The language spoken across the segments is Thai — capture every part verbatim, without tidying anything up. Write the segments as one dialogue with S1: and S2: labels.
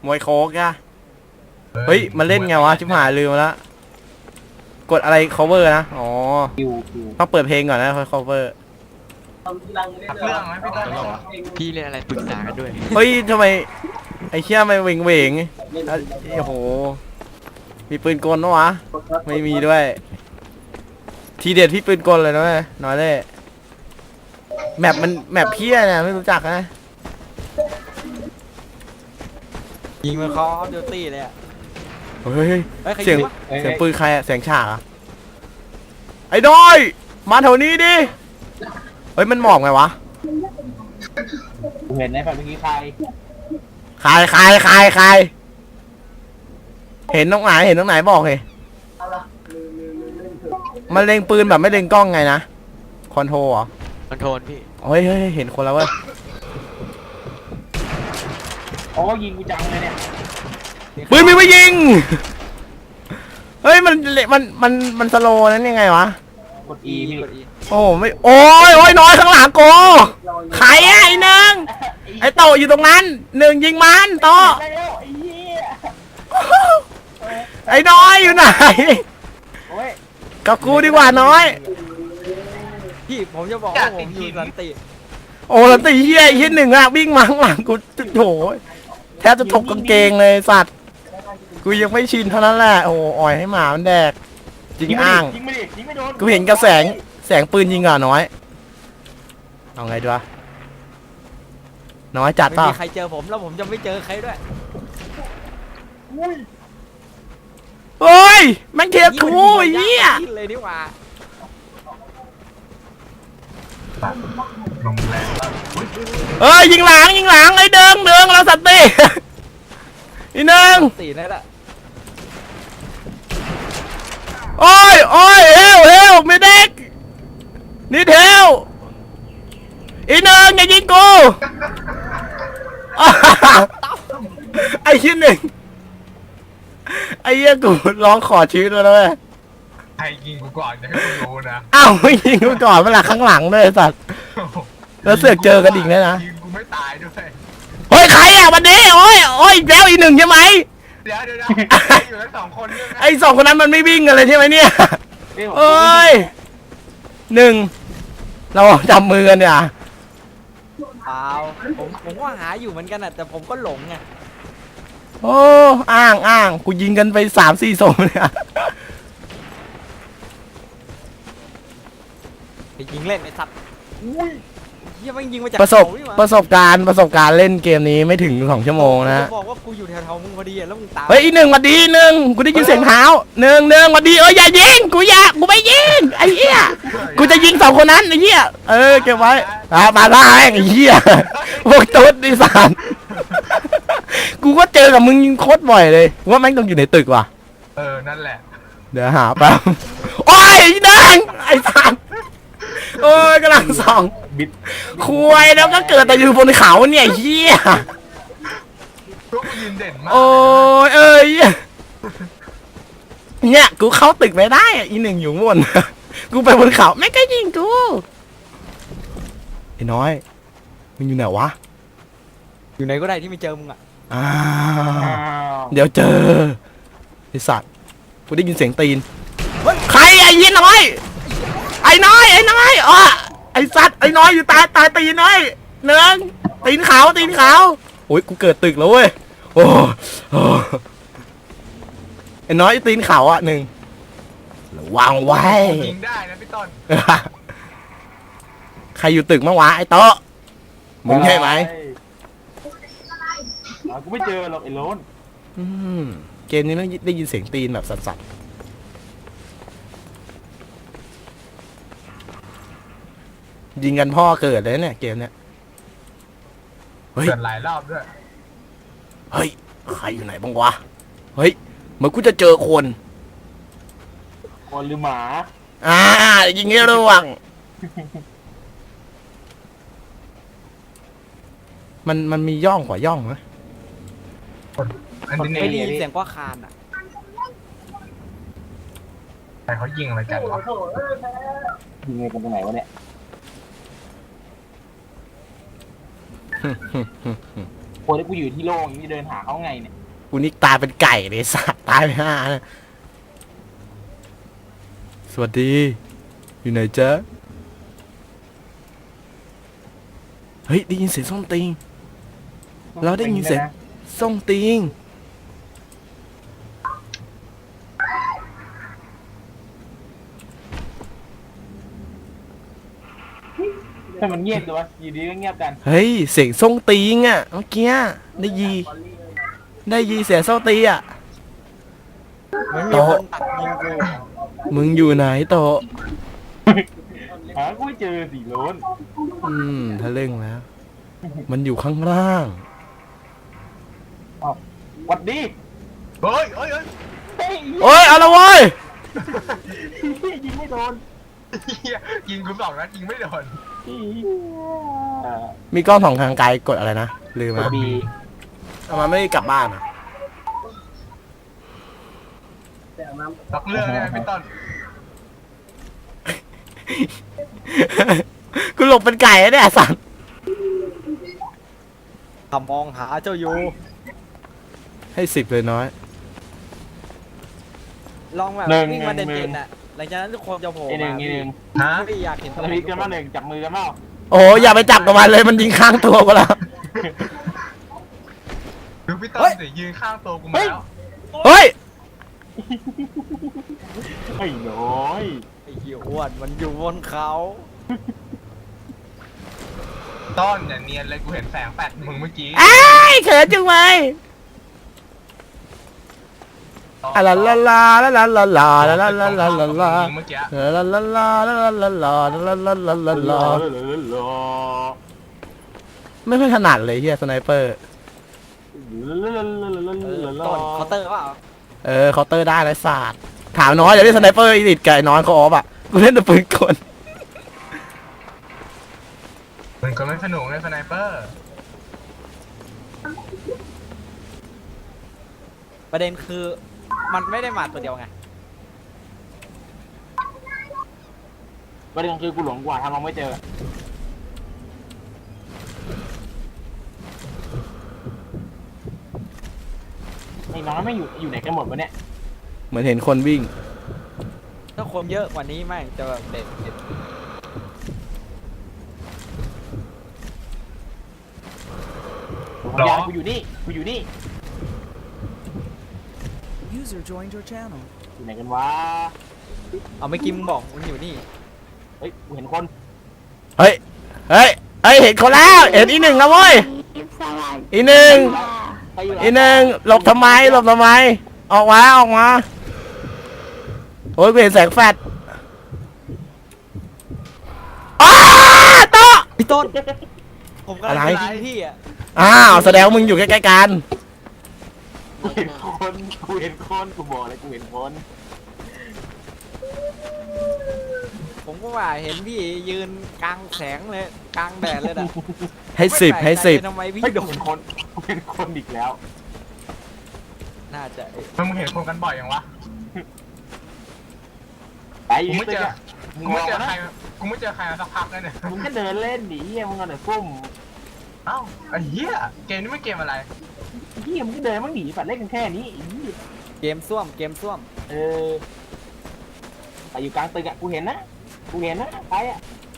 S1: มวยโคกอะเฮ้ยมันเล่นไงวะชิบหายลืมแล้วกดอะไร cover นะอ๋อต้องเปิดเพลงก่อนนะค่อย cover
S2: ขับเครื่องไหมพี่ต้น
S3: พี่เล่นอะไรปรึกษากันด้วย
S1: เฮ้ยทำไมไอ้เชี่ยไม่เหวงเหวงโอ้โหมีปืนกลปะวะไม่มีด้วยทีเด็ดพี่ปืนกลเลยนะเว้ยน้อยเลยแมปมันแมปเพี้ยเนี่ยไม่รู้จักนะ
S3: ยิงมันคอเดลตี้เลยอ่ะ
S1: เฮ้ย
S3: เฮ้ยใคร
S1: เสียง
S3: ยิงวะ
S1: เสียงปืนใครอะเสียงฉากอะไอ้ดอย มาแถวนี้ดิ เฮ้ยมันหมอกไงวะ
S2: เห็นในฝันเมื่อกี้ใคร
S1: ใครใครใครใครเห็นตรงไหนเห็นตรงไหนบอกเลยมันเล็งปืนแบบไม่เล็งกล้องไงนะ คอนโทรเหรอ
S3: คอนโทรลพี่
S1: เฮ้ยเฮ้ยเห็นคนแล้วเว้ย
S2: โอ้ยิงกูจังเลยเนี่ย
S1: ปืนมีไว้ยิง เฮ้ยมันมันมันมันสโลว์นั้นยังไงวะ
S2: กด E พี่
S3: กด E
S1: โอ้ไม่โอ้ยโอ้ยน้อยข้างหลังโกใครอะไอ้หนึ่งไอ้โตอยู่ตรงนั้นหนึ่งยิงมันโต
S2: ได้แล้วไอ้เหี้ย
S1: ไอ้น้อยอยู่ไหน
S2: โอ้ย
S1: กับกูดีกว่าน้อย
S3: พี่ผมจะบอกว่าผมอยู่สันติ
S1: โอ้แล้วตีเฮียไอ้เฮียหนึ่งอะวิ่งมาข้างหลังกูโถแทบจะถกกางเกงเลยสัตว์กูยังไม่ชินเท่านั้นแหละโอ้อ่อยให้หมามันแดกจริงอ้าง
S2: ยิงไม่ดิยิงไม่โดน
S1: กูเห็นกระแสงแสงปืนยิงอ่ะน้อยเอาไงดีวะน้อยจัด
S3: ไม่
S1: เปล่า
S3: มีใครเจอผมแล้วผมจะไม่เจอใครด้วย
S1: เฮ้ยแม่งเทียบทูไอ้เหี้ย
S3: ยิงเลยดีกว่า
S1: เอ้ยยิงหลังยิงหลังไอ้เดิงเดิงเราสัตว์ตี อีหนึ่ง
S3: ตีนั่นแหละ
S1: โอ้ยโอ้ยเฮลเฮลไม่เด็กนี่เทลอีหนึ่งอย่ายิงกู ไอ้ชิ้นหนึ่งไอ้เหี้ยกูร้องขอชีวิตแล้วนะเว้ย
S4: ใครยิงกูก่อนจะให้กูรู้นะ
S1: อ้าวไม่ยิงกูก่อนเวลาข้างหลังด้วยไอ้สัตว์ แล้วเสือกเจอกันอีกเนี่ยนะ
S4: ยิงกูไม่ตายด้วย
S1: เฮ้ยใครอ่ะวันนี้โอ้ยโอ้ยอีกแล้วอีกหนึ่งใช่ไหม
S4: เดี๋ยวเดี๋ยวเดี๋ยวอยู่กันสองคนใช่ไหม
S1: ไอ้สองคนนั้นมันไม่วิ่งกันเลยใช่ไหมเนี่ยเอ้ยหนึ่งเราจับมือกันเนี่ย
S3: เปล่าผมผมก็หาอยู่เหมือนกันอ่ะแต่ผมก็หลงไง
S1: โอ้อ้างอ้างกูยิงกันไปสามสี่ศพเนี่ย
S3: ไปยิงเล่นไอ้สัตว์อุ้ยเฮียมันยิงมาจาก
S1: ประสบ
S3: เขานี่หว่า
S1: ประสบการณ์ประสบการณ์เล่นเกมนี้ไม่ถึงสองชั่วโมงนะ
S3: ผมบอกว่ากูอยู่แถวๆมึงพอดีอะแล้วมึงตาม
S1: เฮ้ยอีหนึ่งมาดีหนึ่งกูได้ยินเสียงเท้าหนึ่งหนึ่งมาดีเอ้ยอย่ายิงกูอย่ากูไม่ยิงไอ้เหี้ยกูจะยิงสองคนนั้นไอ้เหี้ยเออเก็บไว้อ่ามาได้ไอ้เหี้ยพวกตุ๊ดดิสานกูก็เจอกับมึงยิงโคตรบ่อยเลยว่าแม่งต้องอยู่ในตึกว่ะ
S4: เออนั่นแหละ
S1: เดี๋ยวหาแป๊บโอ้ยแดงไอ้สัตว์โอ้ยกำลังส่อง
S2: บิด
S1: คุยแล้วก็เกิดแต่อยู่บนเขาเนี่ยเหี้ย
S4: พวกกูยืนเด่นมาก
S1: โอ้ยเอ้ยเนี่ยกูเข้าตึกไม่ได้อ่ะอีหนึ่งอยู่บน กูไปบนเขาไม่ก็ยิงกูไอ้น้อยมึงอยู่ไหนวะ
S3: อยู่ไหนก็ได้ที่ไม่เจอมึงอ่ะ
S1: อ้า
S2: อ้าว ว
S1: เดี๋ยวเจอไอ้สัตว์กูได้ยินเสียงตีนใครไอ้ยีน้อยไอ้น้อยไอ้น้อยอ่ะไอ้สัตว์ไอ้น้อยอยู่ตายตายตีนน้อยเนืองตีนขาวตีนขาวโอ้ยกูเกิดตึกแล้วเว้ยโอ้โอ้ไอ้น้อยตีนขาวอ่ะหนึ่งระวังไว้
S4: ยิงได้นะพี่ต้น
S1: ใครอยู่ตึกมั้งวะไอ้โต๊ะมึงใช่ไหม
S2: อ่ากูไม่เจอหรอกไอ้โลน
S1: อืมเกมนี้ต้องได้ยินเสียงตีนแบบสั่นๆยิงกันพ่อเกิดเลยเนี่ยเกมเนี้ยเฮ้ย
S4: เกิดหลายรอบด้วย
S1: เฮ้ยใครอยู่ไหนบ้างวะเฮ้ยเหมือนกูจะเจอคน
S2: คนหรือหมา
S1: อ่ายิงให้ระวังมันมันมีย่องกว่าย่องไหม
S4: อันนี้
S3: ไม่ได้
S4: นี่
S3: ยินเสียงกว่าคานอ่ะ
S4: แต่เขายิงอะไรกันวะ
S2: ยิงไงกันตรงไหนวะเนี่ยคนที่กูอยู่ที่โล่งอย่างนี้เดินหาเขาไงเนี่ย
S1: กูนี่ตายเป็นไก่เลยสัตว์ตายไปห้านะสวัสดี อยู่ไหนจ๊ะ เฮ้ยได้ยินเสียงส้มติง เราได้ยินเสียงส้มติง
S2: ถ้ามันเงียบเลยวะอยู่ดีก็เงียบกัน
S1: เฮ้ยเสียงส้มติงอ่ะเมื่อกี้ได้ยีได้ยีเสียงส้มตีอ่ะ
S3: มันมีคนตัดยิงกู
S1: มึงอยู่ไหนโตะ
S2: หากูไม่เจอสีโลน
S1: อืมทะลึ่งแล้ว มันอยู่ข้างล่าง
S2: หวัดดี
S4: เฮ้ยเฮ้ยเฮ้ย
S2: เฮ้ย
S1: โอ้ยเอาละเว้ย
S2: ยิงไม่โดน
S4: เหี้ยยิงกูสองนัดยิงไม่โดน
S2: อ่า
S1: มีกล้องสองทางไกลกดอะไรนะลืม
S2: กด
S1: อ่ะ
S2: บี
S1: ทำไมไม่กลับบ้านอ่ะ
S4: ล็อกเรื่องได้ไหมพี่ต้น
S1: กูหลบเป็นไก่แล้วเนี่ยสัตว์
S3: ทำมองหาเจ้าอยู่
S1: ให้สิบเลยน้อย
S3: ลองแบบ
S2: หนึ่ง
S3: วิ่งมา
S2: หนึ่ง
S3: เด่นๆน่ะหลังจากนั้นทุกคนจะโผล่
S2: ไอหนึ่
S3: มาง
S2: ไอหนึ่ง
S4: ฮะ
S3: ไม่อยากเห็น
S2: สวิตกันมาหนึ่งจับมือกันเปล่า
S1: โอ้โหอย่าไปจับกับมันเลยมันยิงข้างตัวกูแล้ว
S4: ดูพี่ต้นสิยืนข้างตัวกูมาแล้ว
S1: เฮ้ย
S2: ไอ้น้อย
S3: ไอ้เหี้ยอ้วนมันอยู่บนเขา
S4: ต้นเนี่ยเนียนเลยกูเห็นแสงแปดมึงเมื่อกี้
S1: ไอ้ายเขินจังเลยอะลาลาลาลาลาลาลาลาลาลาลาลาลา
S4: เมื่อกี้
S1: ลาลาลาลาลาลาลาลาลาลาลาลาไม่ค่อยถนัดเลยเฮียสไนเปอร์
S3: เออต้นเคาน์เตอร์เปล่า
S1: เออเคาน์เตอร์ได้ไรศาสตร์ถามน้อยอย่าเล่นสไนเปอร์อีดิทไก่น้อยเขาออฟอ่ะกูเล่นแต่ปืนกล
S4: มันก็ไม่สนุกเลยสไนเปอร์
S3: ประเด็นคือมันไม่ได้มาตัวเดียวไง
S2: ประเด็นคือกูหลงกว่าทำเราไม่เจอไอ้น้องไม่อยู่อยู่ไหนกันหมดวะเนี่ย
S1: เหมือนเห็นคนวิ่ง
S3: ถ้าคนเยอะกว่านี้แม่งจะแบบเด็ดเด็ด
S2: ผมยาวกูอยู่นี่กูอยู่นี่
S5: User joined your channel.
S2: อยู่ไหนกันวะ
S3: เอาไม่อกิมงบอกมันอยู่นี่
S2: เฮ้ยกูเห็นคน
S1: เฮ้ยเฮ้ยเฮ้ยเห็นคนแล้วเห็นอีหนึ่งแล้วเว้ยอีหนึ่ง
S2: ใครอยู่
S1: อีหนึ่งหลบทำไมหลบทำไมออกมาออกมาโอ้ยกูเห็นแสงแฟลชอ้าโตะ
S3: พี่ต้น ผมกำลัง
S1: อะไร
S3: จะยิงพี่อ่ะ
S1: อ้าวแสดงว่ามึงอยู่ใกล้ๆกัน
S2: กูเห็นคนกูเห็นคนกูบอกเลยกูเห็นคน
S3: ผมก็ว่าเห็นพี่ยืนกลางแสงเลยกลางแดดเลยนะ
S1: ให้สิบให้สิบ
S3: ทำไมพี่
S2: เฮ้ย
S3: โด
S2: กู
S3: น
S2: เห็นคนกูเห็นคนอีกแล้ว
S3: น่าจะ
S4: มึงเห็นคนกันบ่อยยังวะ
S2: ไป
S4: กูไม่เจอ
S2: มึ
S4: กู
S2: ง
S4: ไม่
S2: มอง
S4: เจอ
S2: นะ
S4: ใครกูไม่เจอใครมาสักพักแล้วเนี่ย
S2: มึงก็เดินเล่นดิเฮียมึงเอาแต่ซุ่ม
S4: เอ้าไอ้เหี้ยเกมนี้ไม่เกมอะไร
S2: เฮียมึงก็เดินมึงหนีฝัดเล่นกันแค่นี้ไอ้เหี้ย
S3: เกมส้วมเกมส้วม
S2: เออแต่อยู่กลางตึกอะกูเห็นนะกูเห็นนะใครอะ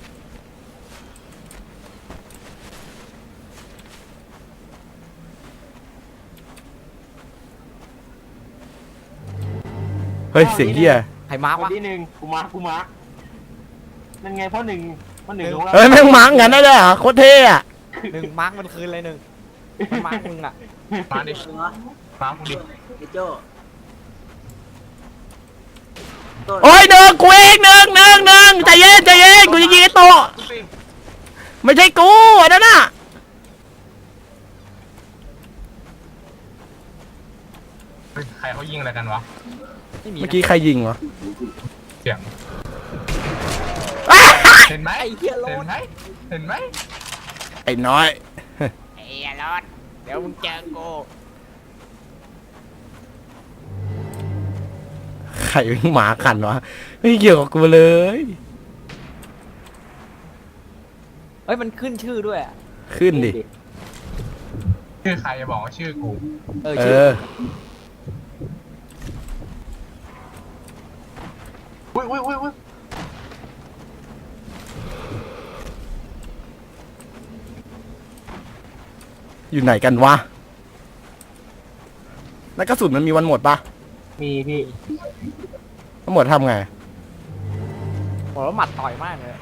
S1: เฮ้ยเสียงเฮีย
S3: ใครมาร์ก
S2: คน
S3: วะ
S2: ที่หนึ่งกูมากูมานั่นไงพ่อหนึ่งพ่อหนึ่งของเรา
S1: เฮ้ยแม่งมังกันได้ด้วยเหรอโคตรเท่อะ
S3: หนึ่งมาร์กมันคืนเลยหนึ่งมันมาร์กมึงอ่ะ
S4: มาดิมากูดิ
S1: โอ้ยหนึ่งกูเองหนึ่งหนึ่งหนึ่งใจเย็นใจเย็นกูจะยิงไอ้โตะ
S4: กูสิ
S1: ไม่ใช่กูอันนั้นน่ะ
S4: เฮ้ยใครเขายิงอะไรกันวะ
S3: ไม่มี
S1: เมื่อ
S3: นะ
S1: กี้ใครยิงวะ
S4: เสียง
S1: อ้า
S4: เห็นไหม
S3: ไอ้เหี้ยโล
S4: เห็น
S3: ด
S4: ไหมเห็นไหม
S1: ไอ้น้อย
S3: ไอ้เหี้ยโลดเดี๋ยวมึงเจอกู
S1: ใครวิ่งหมาขันวะไม่เกี่ยวกับกูเลย
S3: เฮ้ยมันขึ้นชื่อด้วยอะ
S1: ขึ้นดิ
S4: ชื่อใครจะบอกว่าชื่อกู
S3: เออ
S1: เอ
S3: ชื่อ
S1: อ
S4: อุ้ยอุ้ยอุ้ยอุ้ย
S1: อยู่ไหนกันวะแล้วกระสุนมันมีวันหมดปะ
S2: มีพี่
S1: มันหมดทำไง
S3: โหแล้วหมัดต่อยมากเลย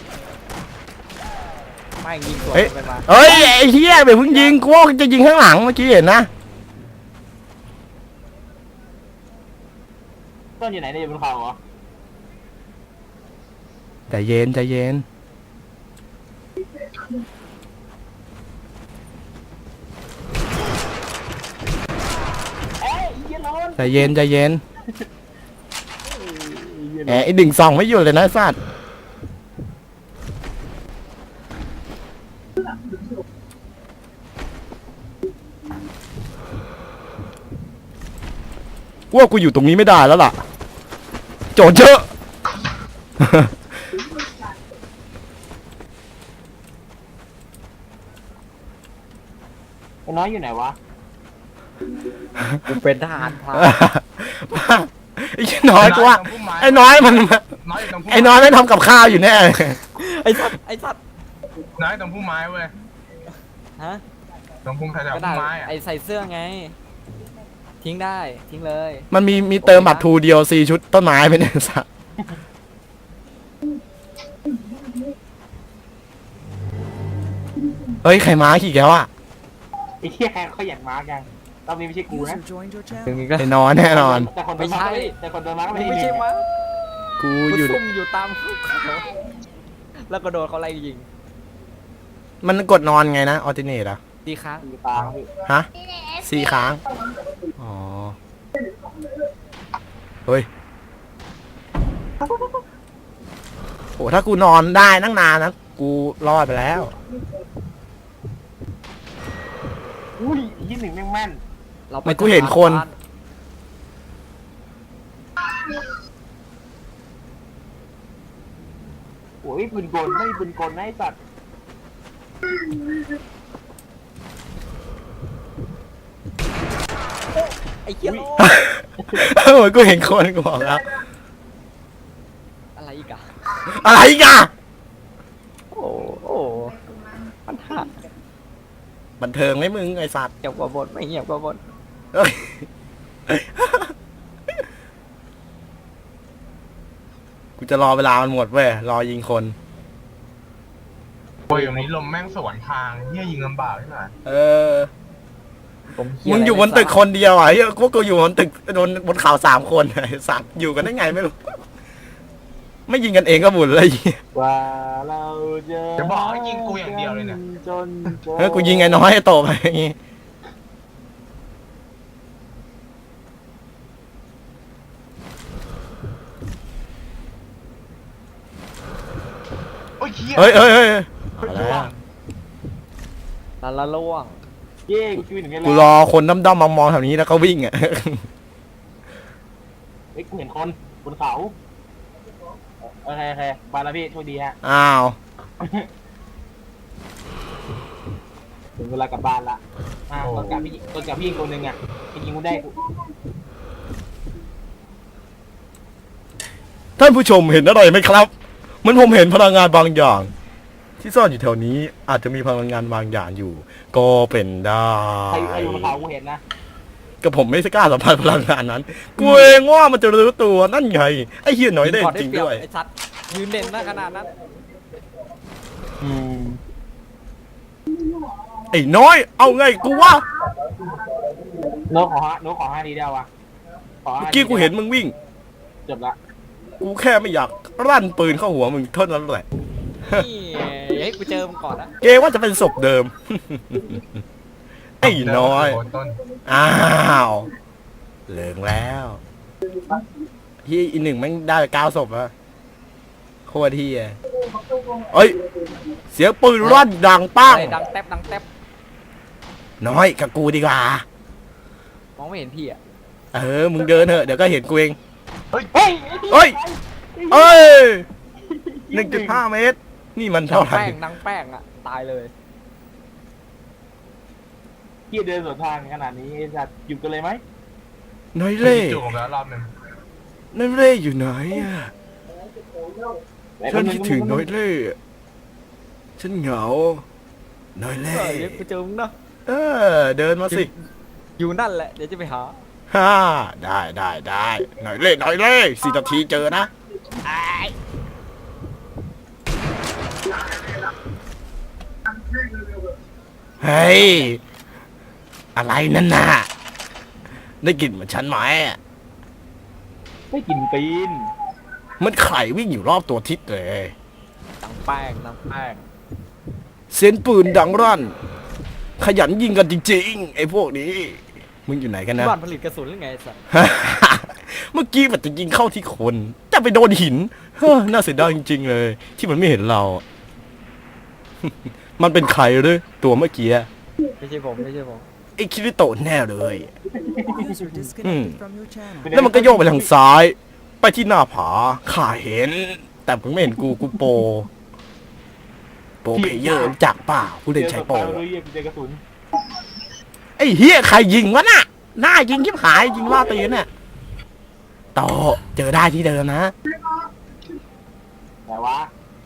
S3: ไม่ยิงสวน
S1: เฮ้ย
S3: ไปมา
S1: เฮ้ยไอ้เหี้ยไปเพิ่งยิงกูว่าจะยิงข้างหลังเมื่อกี้เห็นนะ
S2: ต้นอยู่ไหนเนี่ยอยู่บนเขาเหรอ
S1: ใจเย็นใจเย็น
S2: เอ้ยเหี้ยโลน
S1: ใจเย็นใจเย็นแหมไอ้ดิ่งซองไม่หยุดเลยนะไอ้สัตว์ว่ากูอยู่ตรงนี้ไม่ได้แล้วล่ะ โจทย์เยอะ
S2: ไอ้น้อยอยู่ไหนวะ
S3: กูเป็นทหารพราน
S1: ไอ้น้อยกูว่าไอ้น้อยมัน
S4: น้อยอยู่ตรงพุ่ม
S1: ไอ้น้อยไม่ทำกับข้าวอยู่แน่เลย
S3: ไอ้สัตว์ไอ้สัตว์
S4: น้อยตรงพุ่มไม้เว้ย
S3: ฮะ
S4: ตรงพุ่มแถว
S3: ก็
S4: ๆ
S3: ได้
S4: พุ่มไม้อะ
S3: ไอ้ใส่เสื้อไง ทิ้งได้ทิ้งเลย
S1: มันมีมีเติมบัตรทูเดียวซีชุดต้นไม้ไปเนี่ยสัตว์เฮ้ยใครม้าขี่แกวอะ
S2: ไอ้เหี้ยเขาอยากมาร์กยังรอบนี้ไม่ใช่กูนะ
S5: User joined your
S3: ถึง
S5: channel.
S3: อีกแล้ว
S1: ไอ้นอนแน่นอน
S2: แต่คนโดนมาร์กก็ไม่ได้แต่คนโดนมาร์กก็ไม่ได้
S3: ไม่ใช่มั้ง
S1: กู
S3: กู
S1: อยู่
S3: ซุ่มอยู่ตามภูเขาแล้วก็โดนเขาไล่ยิง
S1: มันกดนอนไงนะออติเนตอะ
S3: ดีครั้ง
S2: อยู่ตามพี่
S1: ฮะสี่ค้างอ๋อเฮ้ยโหถ้ากูนอนได้นั่งนานนะกูรอดไปแล้ว
S2: อุ้ยยี่หนึ่งแม่งแม่น
S3: เรา
S1: ไม่กูเห็นคน
S2: โอ้ยปืนกลไม่มีปืนกลนะไอ้สัตว์
S3: ไอ้เหี้ยโล
S1: เหมือนกูเห็นคนกูบอกแล้ว
S3: อะไรอีกอะ
S1: อะไรอีกัน
S3: โอ้โอ้ปัญหา
S1: บันเทิงไหมมึงไอสัตว์
S3: เงียบกว่าบทไม่เงียบกว่าบท
S1: เอ้ยกูจะรอเวลามันหมดเว้ยรอยิงคน
S4: โอ้ยอย่างนี้ลมแม่งสวนทางเฮียยิงลำบากใช่ไหม
S1: เออ
S3: ผมเขี
S1: มึงอยู่บนตึกคนเดียวอ่ะเฮ้ยพวกกูอยู่บนตึกบนบนเขาสามคนไอ้สัตว์อยู่กันได้ไงไม่รู้ ไม่ยิงกันเองก็บุญเลย
S2: ว่าเราจะ
S4: จะบอกให้ยิงกูอย่างเดียวเลยเนี่ย
S2: จน
S1: เออกูยิงไอ้น้อยไอ้โตไปอย่างงี้
S4: โอ้ยเฮีย
S1: เฮ้ยเฮ้ยเฮ้ยเอาแล้ว
S3: ละละล่วง
S2: เย้กูคิดถึงไง
S1: กูรอคนด้อมๆมองๆแถวนี้แล้วก็วิ่งอ่ะ
S2: เฮ้ยกูเห็นคนบนเขาโอเคโอเคบายแล้วพี่โชคดีฮะ
S1: อ้าว
S2: ถึงเวลากลับบ้านละอ่าตอนกลับพี่ตอนกลับพี่อีกคนนึงอ่ะไปยิงกูได้กู
S1: ท่านผู้ชมเห็นอะไรไหมครับเหมือนผมเห็นพลังงานบางอย่าง ที่ซ่อนอยู่แถวนี้อาจจะมีพลังงานบางอย่างอยู่ ก็เป็นได้
S2: ใครใครอยู่บนเขากูเห็นนะ
S1: ก็ผมไม่กล้าสัมผัสพลังงานนั้นกูเองว่ามันจะรู้ตัวนั่นไงไอ้เหี้ยน้อยเด่น
S3: ก่อน
S1: จริง
S3: ไเปบ
S1: ด้วย
S3: ไอ้ชัดยืนเด่นหน้าขนาดนั้น
S1: อืมไอ้น้อยเอาไงกูว่า
S2: โน้ตขอฮะโน้ตขอห้าทีเดียววะขอห้า
S1: เมื่อกี้กูเห็นมึงวิ่ง
S2: จบละ
S1: กูแค่ไม่อยากรั่นปืนเข้าหัวมึงเท่านั้นแหละ
S3: นี่เฮ้ยกูเจอมึงก่อนนะ
S1: เกว่าจะเป็นศพเดิม ไอ้น้อย
S4: โต้น
S1: อ้าวเหลืองแล้วเฮียอีหนึ่งแม่งได้เก้าศพอะโคตรเฮียเอ้ย เสียงปืนรั่นดังปัง
S3: อะไรดังแทบดังแทบ
S1: น้อยกับกูดีกว่า
S3: มองไม่เห็นพี่อะ
S1: เออ มึงเดินเถอะ เดี๋ยวก็เห็นกูเอง
S2: เฮ้ย
S1: เฮ้ย เอ้ยหนึ่งจุดห้าเมตร นี่มัน
S3: ดั
S1: เท่าง ไหร่
S3: แป้งดังแป้งอะตายเลย
S2: ที่เดินสวนทางขนาดนี้จะหยุดกันเลยไหม
S1: น้อย
S4: เล่
S1: เล่
S4: จูบแล้วรอบหนึ่ง
S1: น้อยเล่อยู่ไหนอะฉันคิดถึงน้อยเล่ฉันเหงาน้อยเล่
S3: เออเดี๋ยวไปเจอมึงเนาะ
S1: เออเดินมาสิ
S3: อยู่นั่นแหละเดี๋ยวจะไปหา
S1: ฮ่าได้ได้ได้น้อยเล่น้อยเล่สี่นาทีเจอนะเฮ้ยอะไรนั่นน่ะได้กลิ่นเหมือนฉันไหมอะ
S2: ไม่กินตีน
S1: มันไข่วิ่งอยู่รอบตัวทิศเลย
S3: ตังแป้งตังแป้ง
S1: เสียงปืนดังรั่น ขยันยิงกันจริงๆ ไอ้พวกนี้ มึงอยู่ไหนกันนะ
S3: บ้านผลิตกระสุนหรือไงไอ้สัส
S1: เมื่อกี้มันจะยิงเข้าที่คนแต่ไปโดนหินเฮ้อน่าเสียดายจริงๆเลย ที่มันไม่เห็นเรา มันเป็นใครหรือตัวเมื่อกี้
S3: ไม่ใช่ผมไม่ใช่ผม
S1: ไอ้คิริโตะแน่เลย
S5: User disconnected from your channel.
S1: แล้วมันก็โยกไปทางซ้าย ไปที่หน้าผาข้าเห็น แต่มึงไม่เห็นกูกูโปรโปรเพลเยอร์รู้จักเปล่าผู้เล่นใช้โปร
S2: เจอเรียกเจอกระสุน
S1: ไอ้เฮียใครยิงวะน่ะหน้ายิงยิบหายยิงล่าตีนเนี่ยต่อเจอได้ที่เดิมนะ
S2: แต่ว่า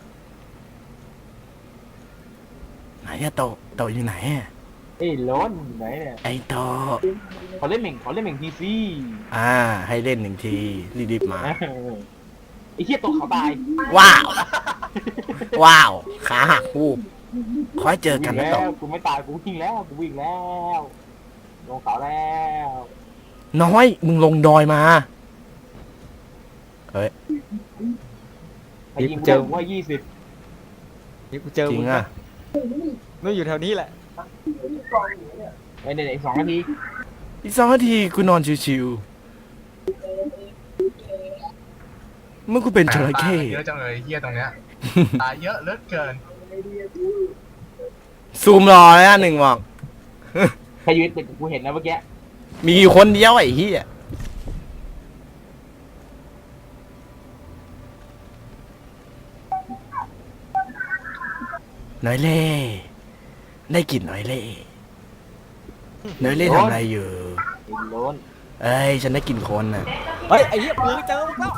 S1: ไหนอะโตโตอยู่ไหนอะ
S2: เอ้ยล้นไหนเนี่ย
S1: ไอ้โต
S2: เขาเล่นเหม่งเขาเล่นเหม่งทีซี
S1: อ่า ให้เล่นหนึ่งทีรีบๆมา
S2: ไอ้เหี้ยตกเขาตาย
S1: ว้าว ว้าว ขาหักวูบขอให้เจอกันนะ
S2: วิ่ง
S1: โต
S2: แล้วกูไม่ตายกูวิ่งแล้วกูวิ่งแล้วลงเขาแล้ว
S1: น้อยมึงลงดอยมาเฮ้ย
S2: ไอ้ยิงกูได้ผมว่ายี่สิบ
S3: นี่กูเจอ
S1: จริ
S3: มึ
S1: ง
S3: ง
S1: อะ
S3: มึงอยู่แถวนี้แหละ
S2: ไอ้เนี่ยอีกสองนาที
S1: อีกสองนาทีกูนอนชิวๆเมื่อกูเป็นจระเข้
S4: เยอะจังเลยเฮียตรงเนี้ย ตายเยอะเหลือเกิน
S1: ซูมรอเลยนะหนึ่งบอก
S2: ใครยืนติดกูเห็นนะเมื่อกี้
S1: มีอยู่คนเดียวไอ้เหี้ยน้อยเล่ได้กลิ่นน้อยเล่น้อยเล่ทำอะไรอยู่
S2: ไอ้ล้น
S1: เอ้ยฉันได้กลิ่นคนน่ะ
S3: เฮ้ยไอ้เหี้ยมึงเจอมึงแล้ว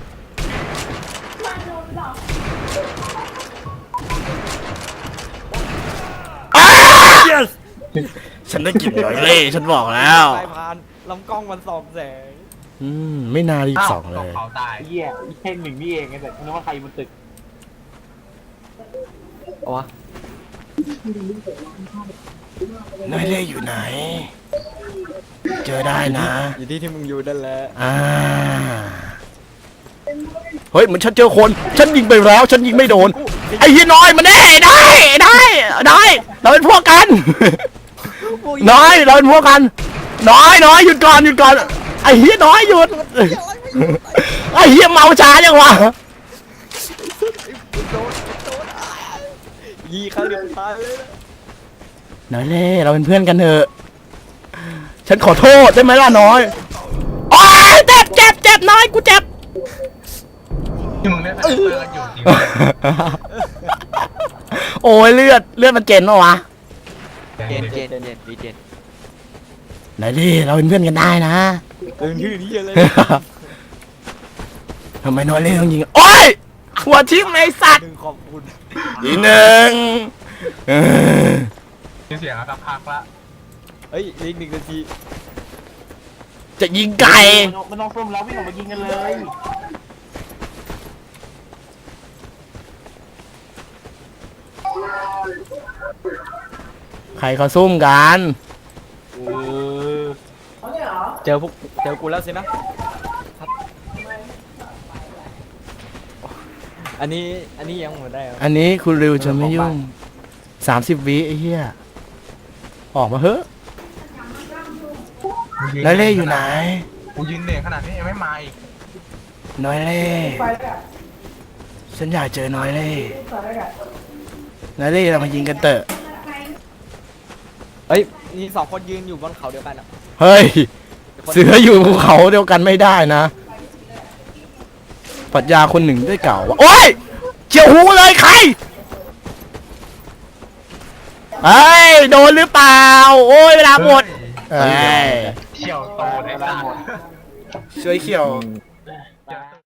S1: ฉันได้กลิ่นน้อยเล่ฉันบอกแล้ว
S3: สายพานลำกล้องมันส่องแสง
S1: อืมไม่น่ารีบ
S4: อ้าว
S1: สองเล
S4: ตก
S1: ย
S4: เขาตาย
S2: ไอ้เหี้ยแค่หนึ่งนี่เองไงแต่นึกว่าใครบนตึก
S3: เอาวะ
S1: น้อยเล่อยู่ไหน เจอได้นะ
S3: อยู่ที่ที่มึงอยู่นั่นแหละ
S1: อ่าเฮ้ยเหมือนฉันเจอคน ฉันยิงไปแล้ว ฉันยิงไม่โดน ไอ้เฮียน้อยมาแน่ได้ได้ได้เราเป็นพวกกัน น้อยเราเป็นพวกกัน น้อยน้อยหยุดก่อนหยุดก่อนไอ้เฮียน้อยหยุดไอ้เฮียเมาช้าจังวะ
S3: ยีครั้งเดียวตายเลยนะ
S1: น้อยเล่เราเป็นเพื่อนกันเถอะฉันขอโทษได้ไหมล่ะน้อยโอ๊ยเจ็บเจ็บเจ็บน้อยกูเจ็บ
S4: ที่มึงเล่นสเตอร์กันอยู่จริง
S1: โอ้ยเลือดเลือดมันเจนปะวะ
S4: ๆ
S3: เจนเจนเจนดีเจน
S1: น้อยเล่เราเป็นเพื่อนกันได้นะ
S3: ตื่นชื่อนี้เลย
S1: ทำไมน้อยเล่ต้องยิงโอ๊ยหัวทิ่มไอ้สัตว์
S3: หนึ่งขอบคุณ
S1: อีกหนึ่งเออ
S4: มีเสียงอะสักพักละ
S3: เฮ้ยอีกหนึ่งนาที
S1: จะยิงไก่
S2: มันต้องส้มแล้ววิ่งออกมายิงกันเลย
S1: ใครเขาซุ่มกัน
S2: เออ
S3: เจอพวกเจอกูแล้วสินะ อันนี้อันนี้ยังหมดได้เหรอ
S1: อันนี้คุณริวจะไม่ยุ่งสามสิบวิไอ้เหี้ยออกมาเฮ้อะน้อยเล่อยู่ไหน
S4: กูยืนเหนื่อยขนาดนี้ยังไม่มาอีก
S1: น้อยเล่ฉันอยากเจอน้อยเล่น้อยเล่เรามายิงกันเถอะ
S3: เฮ้ยมีสองคนยืนอยู่บนเขาเดียวกันอ่ะ
S1: เฮ้ย เสืออยู่ภูเขาเดียวกันไม่ได้นะปรัชญาคนหนึ่งได้กล่าวว่าโอ๊ยเจียวหูเลยใครเฮ้ยโดนหรือเปล่าโอ้ยเวลาหมดเฮ้ย
S4: เชี่ยวโตได้
S2: เวลา
S4: สัต
S2: หมด
S4: ว์
S1: ช่วยเขียว
S2: อืม